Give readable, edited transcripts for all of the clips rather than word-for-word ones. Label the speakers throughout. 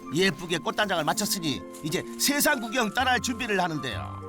Speaker 1: 예쁘게 꽃단장을 마쳤으니 이제 세상 구경 따라할 준비를 하는데요.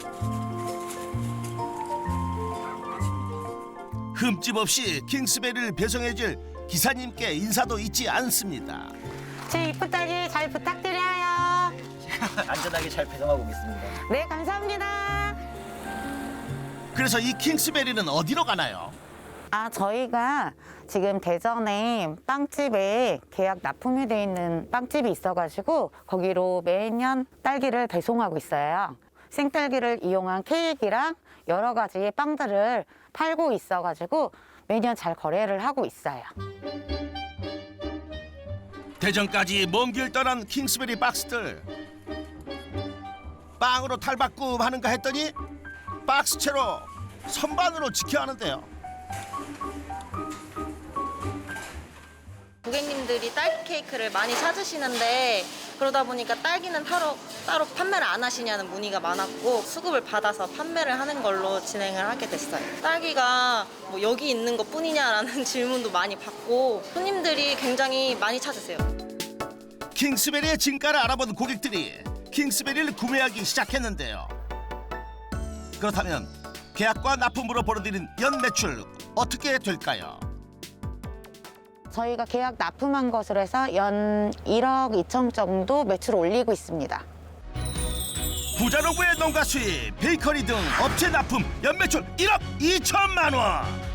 Speaker 1: 흠집 없이 킹스베리를 배송해줄 기사님께 인사도 잊지 않습니다.
Speaker 2: 제 이쁜 딸기 잘 부탁드려요.
Speaker 3: 안전하게 잘 배송하고 오겠습니다.
Speaker 2: 네, 감사합니다.
Speaker 1: 그래서 이 킹스베리는 어디로 가나요?
Speaker 2: 저희가 지금 대전에 빵집에 계약 납품이 돼 있는 빵집이 있어가지고 거기로 매년 딸기를 배송하고 있어요. 생딸기를 이용한 케이크랑 여러 가지 빵들을 팔고 있어가지고 매년 잘 거래를 하고 있어요.
Speaker 1: 대전까지 먼 길 떠난 킹스베리 박스들. 빵으로 탈바꿈 하는가 했더니 박스채로 선반으로 지켜야 하는데요.
Speaker 4: 고객님들이 딸기 케이크를 많이 찾으시는데 그러다 보니까 딸기는 따로 판매를 안 하시냐는 문의가 많았고 수급을 받아서 판매를 하는 걸로 진행을 하게 됐어요. 딸기가 뭐 여기 있는 것 뿐이냐라는 질문도 많이 받고 손님들이 굉장히 많이 찾으세요.
Speaker 1: 킹스베리의 진가를 알아본 고객들이 킹스베리를 구매하기 시작했는데요. 그렇다면 계약과 납품으로 벌어들인 연 매출 어떻게 될까요?
Speaker 2: 저희가 계약 납품한 것으로 해서 연 1억 2천 정도 매출을 올리고 있습니다.
Speaker 1: 부자농부의 농가 수입, 베이커리 등 업체 납품 연 매출 1억 2천만 원.